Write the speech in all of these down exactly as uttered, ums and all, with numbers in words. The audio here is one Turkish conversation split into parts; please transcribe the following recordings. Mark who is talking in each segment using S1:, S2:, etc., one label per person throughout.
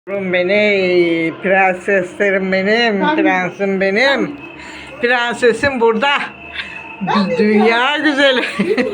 S1: Beni, prenseslerim benim,
S2: Ben-
S1: prensim benim. Prensesim burada.
S2: Ben de
S1: Dünya güzeli.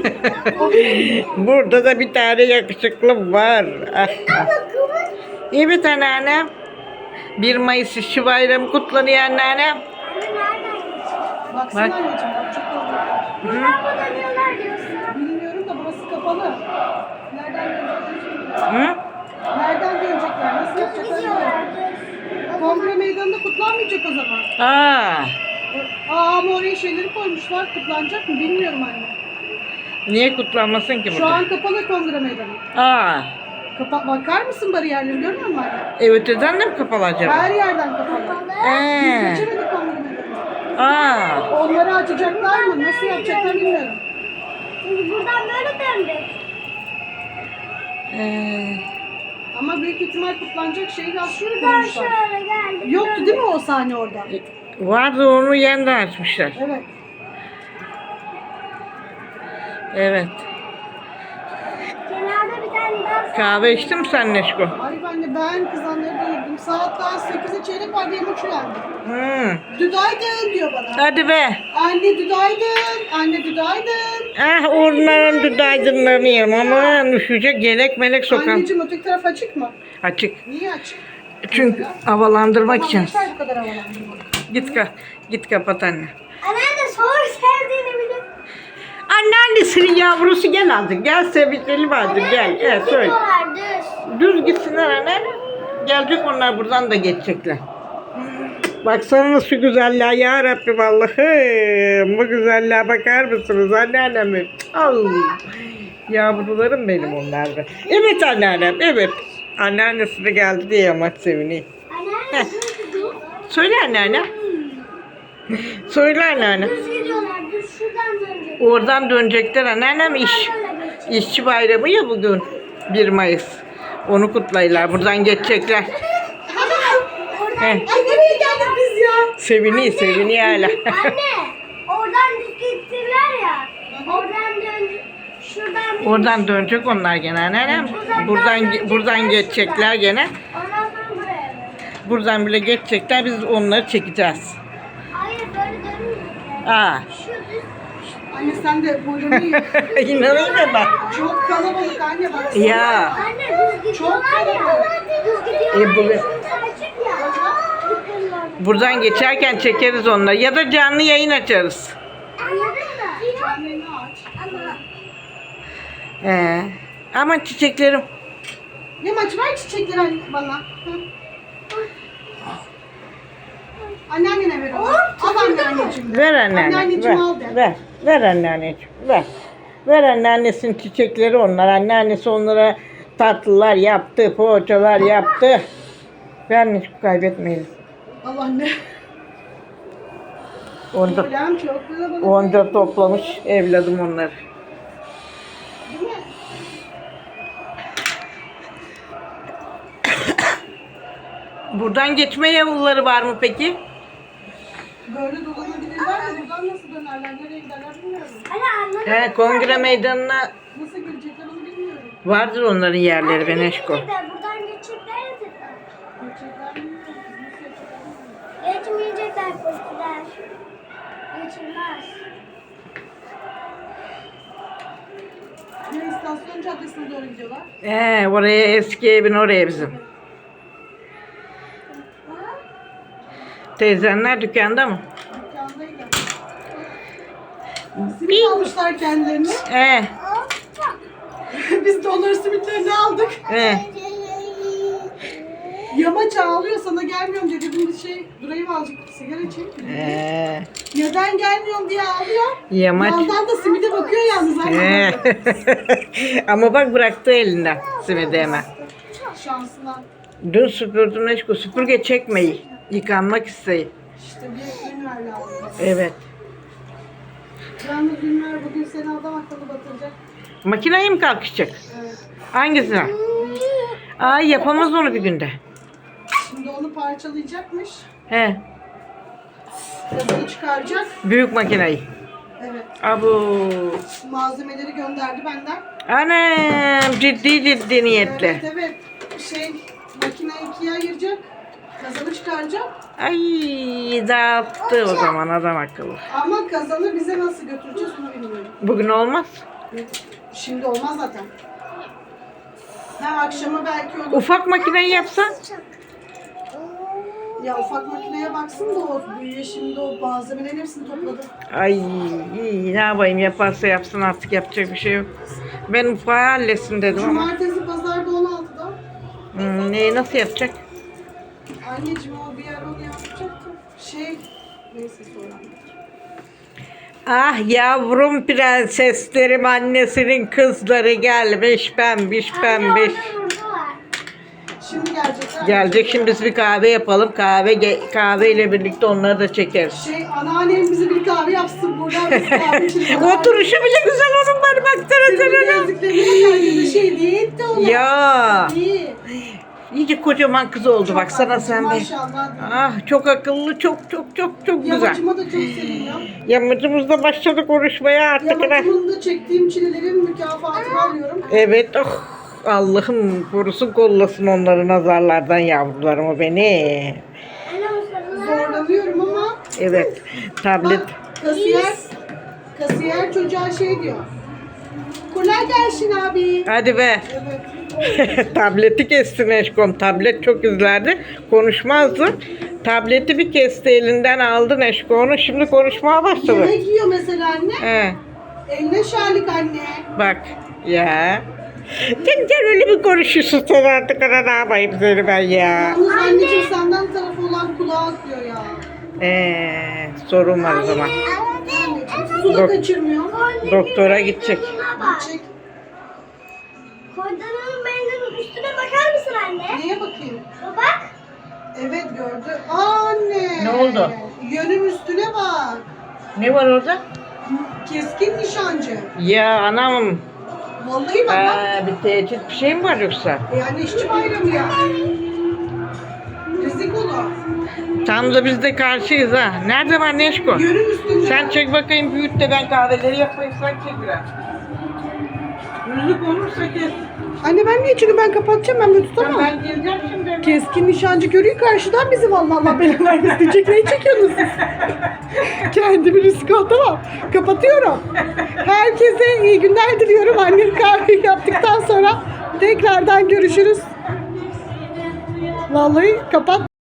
S1: Burada da bir tane yakışıklı var. Ah, ah. Evet anneannem. bir Mayıs İşçi Bayramı kutlanıyor anneannem.
S2: Baksana
S1: Bak.
S2: anneciğim bak çok oldu.
S1: Hı?
S2: Bilmiyorum da burası kapalı. Nereden dönecekler?
S1: Hı?
S2: Nereden dönecekler? Nasıl yapacaklar? bilmiyorum. Kongre meydanında kutlanmayacak o zaman.
S1: Aa,
S2: Aa ama oraya şeyleri koymuşlar. Kutlanacak mı bilmiyorum anne.
S1: niye kutlanmasın ki
S2: Şu
S1: burada?
S2: an kapalı kongre meydanı.
S1: Aa,
S2: Kapa bakar mısın bariyerleri görmüyor musun anne?
S1: evet öden de mi kapalı acaba?
S2: Her yerden kapalı. Biz
S1: Ee,
S2: geçemedik kongre meydanına.
S1: aa,
S2: Onları açacaklar mı? Nasıl yapacaklar bilmiyorum.
S3: Biz buradan böyle döndük.
S1: ee,
S2: Ama büyük ihtimal kutlanacak şeyi
S3: Şuradan
S2: aslında
S3: şöyle geldik.
S2: Yoktu değil mi o sahne orada?
S1: vardı onu yeniden açmışlar.
S2: Evet.
S1: Evet.
S3: Kenarda bir tane daha
S1: Kahve içtin mi sen Neşko?
S2: Ay ben de ben kızanları doyurdum. Saat daha sekize çeyrek var diye maç uyandı.
S1: Hmm.
S2: Düdaydın diyor bana.
S1: Hadi be.
S2: Anne düdaydın. Anne düdaydın.
S1: Ah onların dudaydınlarını yerim ama düşecek yelek melek sokan.
S2: Anneciğim öteki taraf açık mı?
S1: Açık.
S2: Niye açık?
S1: Çünkü havalandırmak
S2: Tamam
S1: için.
S2: yeter bu kadar havalandırmak.
S1: Git ka git kapat anne.
S3: Anneanne soğuk sevdiğini bilir.
S1: Anneannesinin yavrusu gel azıcık. Gel sevişelim azıcık gel. Evet söyle.
S3: Gidiyorlar düz.
S1: Düz gitsinler anne. Gelecek onlar buradan da geçecekler. Baksana şu güzelliğe ya Rabbi vallahi. Bu güzelliğe bakar mısınız anneannemin? Al. Yavrularım benim onlar da. Evet anneannem evet. Anneannesi de geldi diye yamaç seviniyor.
S3: Anneanne düz gidiyor.
S1: Söyle anneanne. Söyle anneanne.
S3: Düz gidiyorlar. Düz şuradan dönecek.
S1: Oradan dönecekler anneannem iş. İşçi bayramı ya bugün. bir Mayıs. Onu kutlayırlar. Buradan geçecekler. He.
S2: Ay nereye geldik biz ya?
S1: Seviniyor seviniyor hala.
S3: Anne oradan düz gittiler ya. Oradan dön. Şuradan bir.
S1: Oradan dönecek onlar gene anneannem. Buradan buradan geçecekler gene.
S3: Ondan sonra buraya dön.
S1: Buradan bile geçecekler. Biz onları çekeceğiz.
S3: Hayır böyle dönmeyecekler.
S1: Aa.
S3: Şu düz.
S2: Anne sen de boyunu iyi.
S1: İnanayım mı ben?
S2: Çok kalabalık anne bak.
S1: Ya.
S3: Anne düz gidiyorlar ya. Düz gidiyorlar
S1: E, bu-
S3: ya. Şurada açık ya.
S1: Buradan geçerken çekeriz onları. Ya da canlı yayın açarız.
S3: Anladın mı?
S2: Anneni aç.
S3: Ama
S1: Ee, aman çiçeklerim.
S2: Ne maç ver çiçekleri anne bana. Hı. Anneannene ver onu. Al anneanneciğim.
S1: Ver anneanne.
S2: Anneanneciğim
S1: Ver.
S2: al de.
S1: Ver. Ver anneanneciğim. Ver. Ver anneannesinin çiçekleri onlar. Anneannesi onlara tatlılar yaptı. Poğaçalar yaptı. Ver hiç kaybetmeyin.
S2: Al anne.
S1: Onca,
S2: Ulan çok kalabalık.
S1: onca toplamış evladım onları.
S2: Değil mi?
S1: Buradan geçme yolları var mı peki?
S2: Böyle dolanabilirler de buradan nasıl dönerler, nereye giderler bilmiyorum.
S3: anne anladın
S1: He,
S3: mı?
S1: kongre meydanına
S2: Nasıl girecekler onu bilmiyorum.
S1: vardır onların yerleri Beneşko.
S3: Geçecekler, buradan geçecekler ya tekrar.
S2: Gerçekler bilmiyorum. Nasıl yapacaklar bilmiyorum.
S3: Geçmeyecekler postiler. Geçilmez.
S2: Ya istasyon caddesine doğru gidiyorlar.
S1: He, oraya eski evin oraya bizim. Teyzenler dükkanda mı?
S2: Dükkandaydı. Simit almışlar kendilerini.
S1: He,
S2: Biz de onların simitlerini aldık.
S1: he.
S2: Yamaç ağlıyor sana gelmiyorum diye dedim bir şey durayım azıcık sigara içeyim.
S1: He.
S2: Neden gelmiyorum diye ağlıyor.
S1: Yamaç.
S2: Yandan da simide bakıyor yalnız.
S1: He. Ama bak bıraktı elinden simidi hemen.
S2: Şansına.
S1: Dün süpürdüm Neşko. Süpürge çekmeyi. Yıkanmak isteyi.
S2: İşte bir ünver lazım.
S1: Evet.
S2: Yalnız ünver bugün seni adam akıllı batıracak.
S1: Makineye mi kalkışacak?
S2: Evet.
S1: Hangisine? Ay yapamaz onu bir günde.
S2: Şimdi onu parçalayacakmış.
S1: He.
S2: Gazını çıkaracak.
S1: Büyük makineyi.
S2: Evet.
S1: Abu.
S2: Malzemeleri gönderdi benden.
S1: Anam ciddi ciddi niyetli.
S2: Evet evet. Şey Makine ikiye ayıracak. Kazanı çıkaracak.
S1: Ay dağıttı o zaman adam akıllı.
S2: Ama kazanı bize nasıl götüreceğiz onu bilmiyorum.
S1: Bugün olmaz.
S2: Şimdi olmaz zaten. Ha akşama belki olur.
S1: Ufak makineyi yapsan.
S2: Ya ufak makineye baksın da o büyüye şimdi o malzemelerin hepsini topladı.
S1: Ay iyi, ne yapayım, yaparsa yapsın artık, yapacak bir şey yok. Ben ufağı halletsin dedim ama.
S2: Cumartesi pazarda on altıda.
S1: Hmm, neyi nasıl yapacak?
S2: Anneciğim o bir yer onu yapacaktı. Şey neyse sonra.
S1: Ah yavrum prenseslerim, annesinin kızları gelmiş, pembiş pembiş.
S2: Şimdi gelecekler.
S1: Gelecek, şimdi biz bir kahve yapalım. Kahve ge- kahveyle birlikte onları da çekeriz.
S2: Şey anneannem bize bir kahve yapsın buradan biz kahve içelim.
S1: Oturuşu bile güzel onun, bana baksana sen ona.
S2: Gözlüklerine bakar bir şey değil de ona.
S1: Ya
S2: İyi.
S1: iyice kocaman kız oldu, baksana
S2: Çok
S1: sen bir.
S2: maşallah.
S1: Ah çok akıllı, çok çok çok çok güzel.
S2: Yamacıma da çok seviyor.
S1: Yamacımızda başladı konuşmaya artık.
S2: Yamacımın da çektiğim çilelerin mükafatını alıyorum.
S1: Evet, oh, Allah'ım korusun kollasın onları nazarlardan yavrularımı beni.
S2: Zorlanıyorum ama
S1: Evet, tablet.
S2: bak kasiyer, kasiyer çocuğa şey diyor. Kolay gelsin abi.
S1: Hadi be.
S2: Evet.
S1: Tableti kesti Neşkom. Tablet çok izlerdi. Konuşmazdı. Tableti bir kesti, elinden aldı Neşkom'u. Şimdi konuşmaya başladı.
S2: Yemek yiyor mesela anne.
S1: He,
S2: Eline şalik anne.
S1: bak ya. Sen, sen öyle bir konuşuyorsun, sen artık ana ne yapayım seni ben ya.
S2: Yalnız anneciğim senden tarafı olan kulağa akıyor ya.
S1: Eee sorun var o zaman.
S2: Anneciğim su da
S1: Dok-
S2: kaçırmıyor.
S1: Doktora gidecek.
S2: Gidecek.
S3: Koydanın meydanın üstüne bakar mısın anne?
S2: Neye bakayım?
S3: Bak.
S2: Evet gördü. Aa anne.
S1: Ne oldu?
S2: Yönün üstüne bak.
S1: Ne var orada?
S2: Keskin nişancı.
S1: Ya anam.
S2: Vallahi bak bak.
S1: Aa, bir tehdit bir şey mi var yoksa?
S2: Yani işçi bayramı ya. Rizikolu.
S1: Tam da biz de karşıyız ha. Nerede var Neşko?
S2: Yönün üstünde.
S1: Sen çek bakayım, büyüt de ben kahveleri yapayım, sen çek biraz. Müzik olursa kes.
S2: Anne ben niye? Çünkü ben kapatacağım, ben de tutamam.
S1: Ben geleceğim şimdi.
S2: Keskin nişancı görüyor karşıdan bizi, vallahi Allah belanı vermesin diyecek. Neyi çekiyorsunuz siz? Kendimi riske atamam. Kapatıyorum. Herkese iyi günler diliyorum. Annem kahveyi yaptıktan sonra tekrardan görüşürüz. Vallahi kapat.